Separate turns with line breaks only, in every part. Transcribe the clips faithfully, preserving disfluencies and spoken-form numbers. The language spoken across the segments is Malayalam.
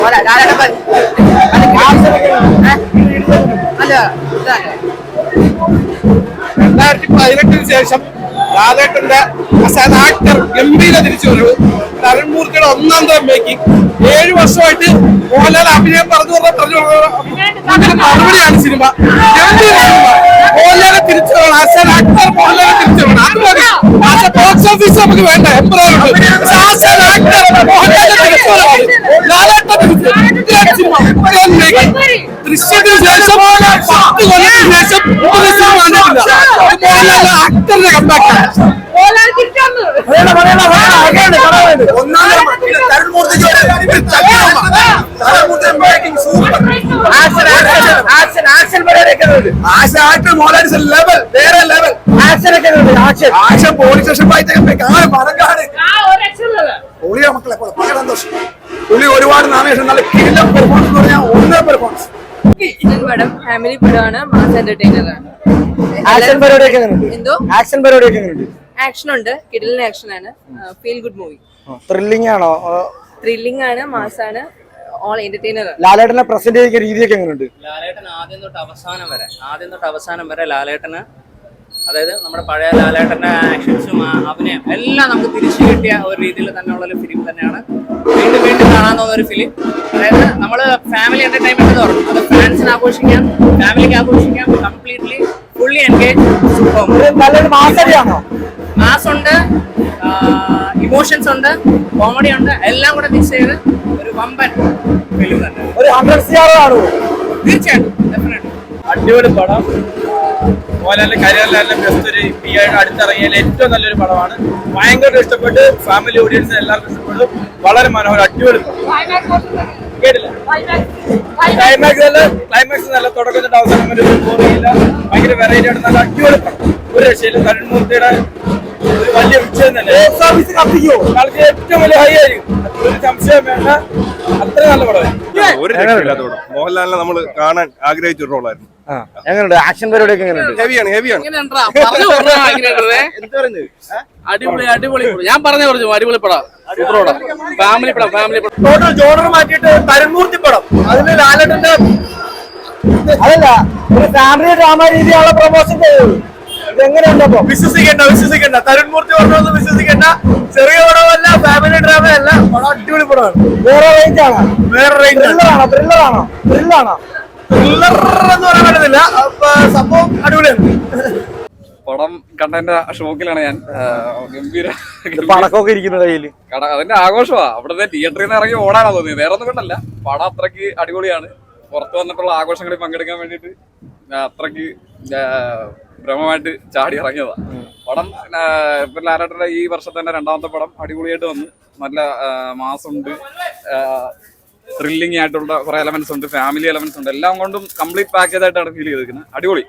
രണ്ടായിരത്തി പതിനെട്ടിന് ശേഷം ലാലേട്ടന്റെ ആക്ടർ ഗംഭീര തിരിച്ചുവരവ്. തരുൺമൂർത്തിയുടെ ഒന്നാം തരം മേക്കിംഗ്. ഏഴു വർഷമായിട്ട് മോഹൻലാൽ അഭിനയം പറഞ്ഞു പറഞ്ഞ മറുപടിയാണ് സിനിമ. ഗംഭീര സിനിമ. മോഹൻലാലെ തിരിച്ചു വരണം. ആസ് ആക്ടർ മോഹൻലാലെ തിരിച്ചു വരണം. അത് മതി. ആസ് എ ബോക്സ് ഓഫീസ് നമുക്ക് വേണ്ട. എംബ്രോയിഡറി ആസ് ആക്ടർ മോഹൻലാലെ തിരിച്ചു വരണം. ലാലേട്ടൻ തിരിച്ചു സിനിമ. ദൃശ്യത്തിന് ശേഷം പത്ത് കൊല്ലത്തിന് ശേഷം മോഹൻലാൽ ആക്ടറിന്റെ കമ്പാക്ട്. പോലീസ് സ്റ്റേഷൻ മക്കളെ പുള്ളി ഒരുപാട് നാമേഷൻ നല്ല കിടിലം പെർഫോമൻസ് എന്ന് പറഞ്ഞാൽ ഒന്നേ പെർഫോമൻസ്.
പടം ഫാമിലി പടമാണ്, മാസ് എന്റർടൈനർ ആണ്.
ആക്ഷൻ പരിപാടിയൊക്കെ എന്തോ ആക്ഷൻ പരിപാടിയൊക്കെ എങ്ങനെയുണ്ട്?
ആക്ഷൻ ഉണ്ട്, കിടിലൻ ആക്ഷൻ ആണ്. Feel good movie.
ത്രില്ലിംഗ് ആണോ?
ത്രില്ലിംഗ് ആണ്, മാസ് ആണ്, ഓൾ എന്റർടൈനർ ആണ്.
ലാലേട്ടനെ പ്രസന്റ് ചെയ്യുന്ന രീതിയൊക്കെ എങ്ങനെയുണ്ട്?
ലാലേട്ടൻ ആദ്യം തൊട്ട് അവസാനം വരെ ആദ്യം തൊട്ട് അവസാനം വരെ ലാലേട്ടന്, അതായത് നമ്മുടെ പഴയ ലാലേട്ടന്റെ ആക്ഷൻസും അഭിനയം എല്ലാം നമുക്ക് തിരിച്ചു കിട്ടിയ ഒരു രീതിയിൽ തന്നെയുള്ള ഒരു ഫിലിം തന്നെയാണ്. വീണ്ടും വീണ്ടും കാണാൻ തോന്നുന്ന ഒരു ഫിലിം. അതായത് നമ്മൾ ഫാമിലി എന്റർടൈൻമെന്റ് എന്ന് പറഞ്ഞു, അത് ഫാൻസിന് ആഘോഷിക്കാം, ഫാമിലിക്ക് ആഘോഷിക്കാം. Completely fully engage. മാസ് ഉണ്ട്, ഇമോഷൻസ് ഉണ്ട്, കോമഡി ഉണ്ട്, എല്ലാം കൂടെ മിക്സ് ചെയ്ത് ഒരു വമ്പൻ ഫിലിം തന്നെ. തീർച്ചയായിട്ടും ഡെഫിനറ്റ്ലി
അടിപൊളി പടം. മോഹൻലാലിന്റെ കരിയറിലെ ബെസ്റ്റ് ഒരു ഈ ആയിട്ട് അടുത്തിറങ്ങിയാൽ ഏറ്റവും നല്ലൊരു പടമാണ്. ഭയങ്കര ഇഷ്ടപ്പെട്ട് ഫാമിലി ഓഡിയൻസിന് എല്ലാവർക്കും ഇഷ്ടപ്പെട്ടു. വളരെ മനോഹരം, അടിപൊളി. കേട്ടില്ല ക്ലൈമാക്സ് നല്ല ക്ലൈമാക്സ് നല്ല തുടക്കം തൊട്ട് അവസാനം വരെ ബോറിയില്ല. ഭയങ്കര വെറൈറ്റി ആയിട്ട് നല്ല അടിപൊളി പടം. ഒരു രക്ഷയില്ല. തരുൺമൂർത്തിയുടെ ഒരു വലിയ വിജയം തന്നെ. ആൾക്ക് ഏറ്റവും വലിയ ഹൈ ആയിരിക്കും, ഒരു സംശയം വേണ്ട. അത്ര നല്ല പടമായിരുന്നു.
ഒരു രക്ഷയില്ലാത്ത പടം. മോഹൻലാലിനെ നമ്മൾ കാണാൻ ആഗ്രഹിച്ച ഒരു റോളായിരുന്നു.
എങ്ങനെയുണ്ട് ആക്ഷൻ പരിപാടിയൊക്കെ? എങ്ങനെയുണ്ട്?
ഹെവിയാണ് ഹെവിയാണ്
അടിപൊളി അടിപൊളി. ഞാൻ പറഞ്ഞു പറഞ്ഞു അടിപൊളി പടം. ഫാമിലി പടം ഫാമിലി പടം.
ടോട്ടൽ ജോണർ മാറ്റിയിട്ട് തരുൺമൂർത്തി പടം. അതിന് ലാലേട്ടന്റെ അതല്ല ഒരു ഫാമിലി ഡ്രാമ രീതിയുള്ള പ്രൊമോഷൻ ചെയ്തത്. ഇതെങ്ങനെയുണ്ട്? അപ്പൊ
വിശ്വസിക്കണ്ട വിശ്വസിക്കണ്ട തരുൺമൂർത്തി പറഞ്ഞൊന്നും വിശ്വസിക്കണ്ട. ചെറിയ പടമല്ല, ഫാമിലി ഡ്രാമ അല്ല, പടം അടിപൊളി പടമാണ്.
വേറെ റേഞ്ച് ആണ്.
വേറെ റേഞ്ച്
ത്രില്ലറാണോ? ത്രില്ലറാണോ? ത്രില്ലാണോ?
ത്രില്ലർ എന്ന് പറയാൻ പറ്റുന്നില്ല. സംഭവം അടിപൊളിയാണ്.
പടം കണ്ടതിന്റെ ഷോക്കിലാണ് ഞാൻ. ഗംഭീര
പടക്കമൊക്കെ ഇരിക്കുന്ന കയ്യില്
കട അതിന്റെ ആഘോഷമാ. അവിടുത്തെ തിയേറ്ററിൽ നിന്ന് ഇറങ്ങി ഓടാനാ തോന്നിയത്, വേറെ ഒന്നും കൊണ്ടല്ല. പടം അത്രയ്ക്ക് അടിപൊളിയാണ്. പുറത്തു വന്നിട്ടുള്ള ആഘോഷങ്ങളിൽ പങ്കെടുക്കാൻ വേണ്ടിയിട്ട് അത്രയ്ക്ക് ഭ്രമമായിട്ട് ചാടി ഇറങ്ങിയതാ പടം. ഇപ്പൊ ലാലേട്ടന്റെ ഈ വർഷത്തെ തന്നെ രണ്ടാമത്തെ പടം അടിപൊളിയായിട്ട് വന്നു. നല്ല മാസുണ്ട്, ത്രില്ലിംഗ് ആയിട്ടുള്ള കുറെ എലമെന്റ്സ് ഉണ്ട്, ഫാമിലി എലമെന്റ്സ് ഉണ്ട്. എല്ലാം കൊണ്ടും കംപ്ലീറ്റ് പാക്കേജ് ആയിട്ടാണ് ഫീൽ ചെയ്തിരിക്കുന്നത്. അടിപൊളി.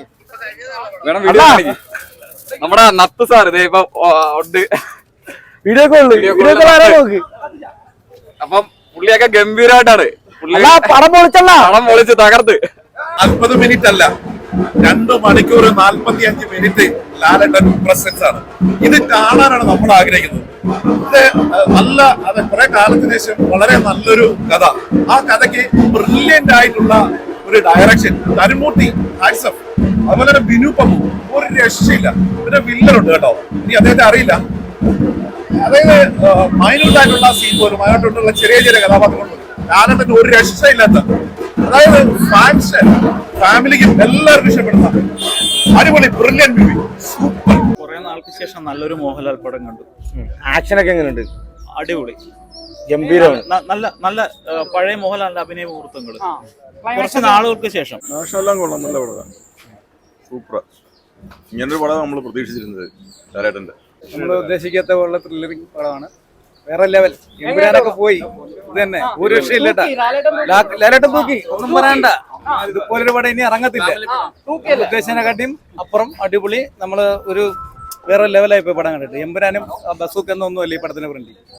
വേണം വീഡിയോ കാണിക്കും. നമ്മുടെ നത്ത് സാർ ഇതേ ഇപ്പൊ ഉണ്ട്,
വീഡിയോ കോള്.
അപ്പം പുള്ളിയൊക്കെ ഗംഭീരമായിട്ടാണ്.
പടം പൊളിച്ചല്ല,
പടം പൊളിച്ച് തകർത്ത്.
നാൽപ്പത് മിനിറ്റ് അല്ല, രണ്ടു മണിക്കൂർ നാൽപ്പത്തി അഞ്ച് മിനിറ്റ് ലാലേട്ടൻ പ്രസൻസ് ആണ്. ഇത് കാണാനാണ് നമ്മൾ ആഗ്രഹിക്കുന്നത്. ഇത് നല്ല അത് കുറെ കാലത്തിന് ശേഷം വളരെ നല്ലൊരു കഥ. ആ കഥയ്ക്ക് ബ്രില്യന്റ് ആയിട്ടുള്ള ഒരു ഡയറക്ഷൻ. തരുൺമൂർത്തി ഹാറ്റ്സ്. അതുപോലെ തന്നെ ബിനു പമ്മു ഒരു രക്ഷയില്ല. പിന്നെ വില്ലനുണ്ട് കേട്ടോ, ഇനി അദ്ദേഹത്തെ അറിയില്ല. അതായത് മൈനൂട്ടായിട്ടുള്ള സീൻ പോലും അതിനോട്ടുള്ള ചെറിയ ചെറിയ കഥാപാത്രങ്ങളും ലാലേട്ടന് ഒരു രക്ഷയില്ലാത്ത, അതായത് ഫാൻസ് ഫാമിലിക്കും എല്ലാവർക്കും ഇഷ്ടപ്പെടുന്ന അടിപൊളി ബ്രില്യന്റ് മൂവി. സൂപ്പർ.
കുറെ നാൾക്ക് ശേഷം നല്ലൊരു മോഹൻലാൽ പടം കണ്ടു.
ആക്ഷനൊക്കെ എങ്ങനെയുണ്ട്?
അടിപൊളി,
ഗംഭീരമാണ്.
നല്ല നല്ല പഴയ മോഹൻലാലിന്റെ അഭിനയ മുഹൂർത്തങ്ങൾ കുറച്ച് നാളുകൾക്ക് ശേഷം.
എല്ലാം കൊള്ളാം, നല്ല പടമാണ്. സൂപ്പർ. ഇങ്ങനൊരു പടം നമ്മൾ പ്രതീക്ഷിച്ചിരുന്നത് ലാലേട്ടന്റെ.
നമ്മൾ ഉദ്ദേശിക്കാത്ത പോലുള്ള ത്രില്ലറിംഗ് പടമാണ്. വേറെ ലെവൽ. എമ്പുരാനൊക്കെ പോയി. ഇത് തന്നെ ഒരു രക്ഷയില്ല. ലാലേട്ടൻ തൂക്കി, ഒന്നും പറയണ്ട. ഇതുപോലൊരു പടം ഇനി ഇറങ്ങത്തില്ല. ഉദ്ദേശിച്ചതിനെക്കാട്ടിയും അപ്പുറം അടിപൊളി. നമ്മള് ഒരു വേറെ ലെവലായി പോയി പടം കണ്ടിട്ട്. എമ്പുരാനും ബസൂക്ക് എന്നൊന്നുമല്ല ഈ പടത്തിന് ഫ്രണ്ട്.